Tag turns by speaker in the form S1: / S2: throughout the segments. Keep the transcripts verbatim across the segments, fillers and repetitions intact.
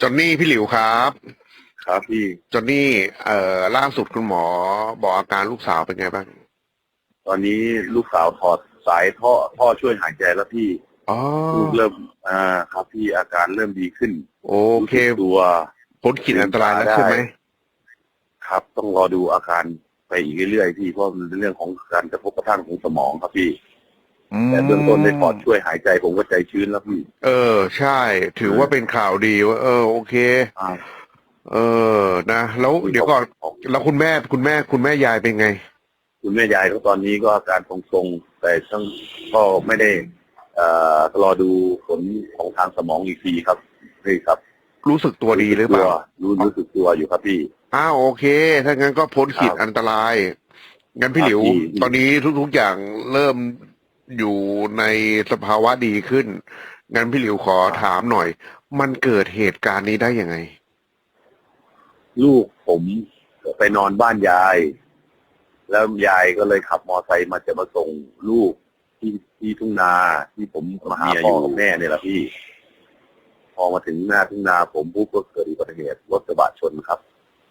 S1: จอนนี่พี่หลิวครับ
S2: ครับพี่
S1: จอนนี่เอ่อล่าสุดคุณหมอบอกอาการลูกสาวเป็นไงบ้าง
S2: ตอนนี้ลูกสาวถอดสายท่อท่อช่วยหายใจแล้วพี่
S1: อ๋อ
S2: ลูกเริ่มอ่าครับพี่อาการเริ่มดีขึ้น
S1: โอ
S2: รู้
S1: เค
S2: สึกตัว
S1: พ้นขีด
S2: ลื
S1: อันตราย
S2: มตาได้
S1: แล้วใช่ไหม
S2: ครับต้องรอดูอาการไปอีกเรื่อยๆพี่เพราะมันเป็นเรื่องของการกระทบกระทั่งของสมองครับพี่
S1: อื
S2: แต่เบื้องต้นได้ถอด
S1: ม
S2: ช่วยหายใจผมก็ใจชื้นแล้วพี่
S1: เออใช่ถือว่าเป็นข่าวดีว่าเออโอเค
S2: อ่า
S1: เออนะแล้ว
S2: พี่ขอบ
S1: เดี๋ยวก่อน
S2: ขอบ
S1: แล้วคุณแม่คุณแม่คุณแม่ยายเป็นไง
S2: คุณแม่ยายก็ตอนนี้ก็อาการทรงๆแต่ต้องก็ไม่ได้เอ่อรอดูผลของทางสมองอีกทีครับนี่ครับ
S1: รู้สึกตัว
S2: รู้สึกตัว
S1: ดีหรือเปล่า
S2: รู้รู้สึกตัวอยู่ครับพี่
S1: อ้าวโอเคถ้างั้นก็พ้นขีด
S2: ครับ
S1: อันตรายงั้น
S2: ค
S1: พี่หลิว
S2: รับพี่
S1: ตอนนี้ทุกๆอย่างเริ่มอยู่ในสภาวะดีขึ้นงั้นพี่หลิวขอ
S2: ครับ
S1: ถามหน่อยมันเกิดเหตุการณ์นี้ได้ยังไง
S2: ลูกผมไปนอนบ้านยาย แล้วยายก็เลยขับมอไซค์มาจะมาส่งลูกที่ที่ทุ่งนาที่ผมมาหาพ่อกับแม่เนี่ยแหละพี่ พอมาถึงหน้าทุ่งนาผมปุ๊บก็เกิดอุบัติเหตุรถกระบะชนครับ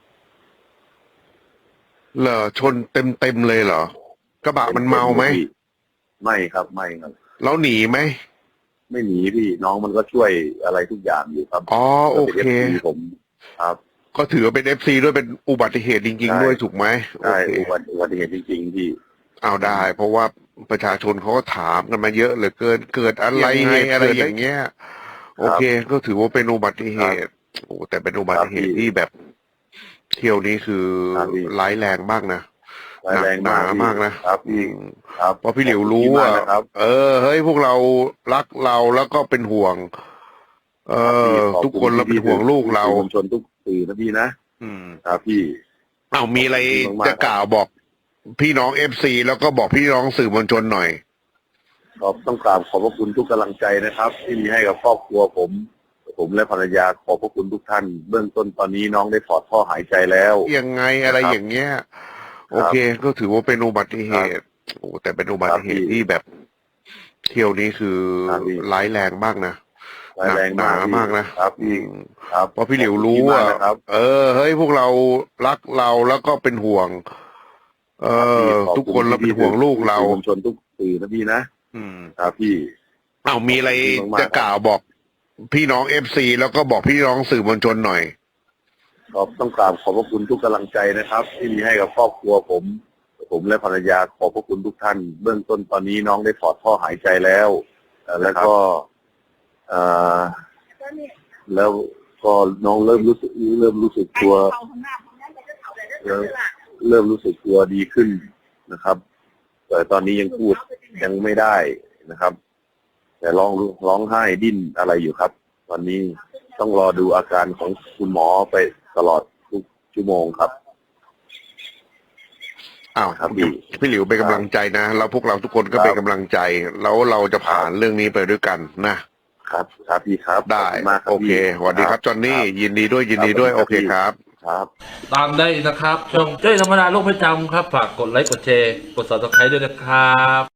S1: เหรอชนเต็มเต็มเลยเหรอกระบะมันเมาไหม
S2: พี่ไม่ครับไม่ครับ
S1: แล้วหนีไหม
S2: ไม่หนีพี่น้องมันก็ช่วยอะไรทุกอย่างอยู่ครับ
S1: อ๋อโอ
S2: ก็เป็น
S1: เค
S2: เอฟซีผมครับ
S1: ก็ถือว่าเป็นเอฟซีด้วยเป็นอุบัติเหตุจริง
S2: ใช่
S1: ๆด้วยถูกไหมโอ
S2: ใช่
S1: เค
S2: อุบัติอุบัติเหตุจริงๆพี่
S1: เอาได้ เพราะว่าประชาชนเขาก็ถามกันมาเยอะเหลือเกินเกิดอะไรเหตุอะไรอย่างเงี้ยโอเคก็ถือว่าเป็นอุบัติเหตุโอ้แต่เป็นอุบัติเหตุที่แบบเที่ยวนี้คือร้ายแรงมากนะ
S2: ร้ายแรงมาก
S1: มากนะครับอื
S2: พี่
S1: ม
S2: ครับ
S1: เพราะพี่หลิวรู้ว่าเออเฮ้ยพวกเรารักเราแล้วก็เป็นห่วง เออทุกคนเราเป็นห่วงลูกเรา
S2: มวลชนทุกสื่อนะพี่นะ
S1: อืม
S2: ครับพี่
S1: เอามีอะไรจะก
S2: ก
S1: ล่าวบอกพี่น้องเอฟซีแล้วก็บอกพี่น้องสื่อมวลชนหน่อย
S2: ขอบต้องกราบขอบพระคุณทุกกำลังใจนะครับ ที่มีให้กับครอบครัวผม ผมและภรรยาขอบพระคุณทุกท่าน เบื้องต้นตอนนี้น้องได้ถอดท่อหายใจแล้ว
S1: ยังไงอะไรอย่างเงี้ยโอเค ก็ถือว่าเป็นอุบัติเหตุโอ้แต่เป็นอุบัติเหตุที่แบบเที่ยวนี้คือร้ายแรงมากนะ
S2: ร้ายแรงมาก
S1: มากนะครับ
S2: พี่ครับ
S1: เพราะพี่หลิวรู้ว่าเออเฮ้ยพวกเรารักเราแล้วก็เป็นห่วง เออทุกคนเราเป็นห่วงลูกเรา
S2: มวลชนทุกสื่อนะพี่นะ
S1: อืม
S2: ครับพี่
S1: เอามีอะไรจะกล่าวบอกพี่น้องเอฟซีแล้วก็บอกพี่น้องสื่อมวลชนหน่อย
S2: ขอบต้องกราบขอบพระคุณทุกกำลังใจนะครับ ที่มีให้กับครอบครัวผม ผมและภรรยาขอบพระคุณทุกท่าน เบื้องต้นตอนนี้น้องได้ถอดท่อหายใจแล้วแล้วก็เอ่อแล้วก็น้องเริ่มรู้สึกเริ่มรู้สึกตัวเริ่มเริ่มรู้สึกตัวดีขึ้นนะครับ แต่ตอนนี้ยังพูดยังไม่ได้นะครับ แต่ร้องร้องไห้ดิ้นอะไรอยู่ครับ ตอนนี้ต้องรอดูอาการของคุณหมอไปตลอดทุกชั่วโมงครับ
S1: อ้าว
S2: ครับพี่
S1: พี่หลิวเป็นกำลังใจนะแล้วพวกเราทุกคนก็เป็นกำลังใจ แล้วเราจะผ่านเรื่องนี้ไปด้วยกันนะครับ
S2: ครับพี่ครับ
S1: ได้โอเคสวัสดีครับจอนนี่ยินดีด้วยยินดีด้วยโอเคครับ
S2: ครับ
S3: ตามได้นะครับช่องเจ้ยธรรมดาโลกประจำครับ ฝากกดไลค์กดแชร์กด ซับสไครบ์ ด้วยนะครับ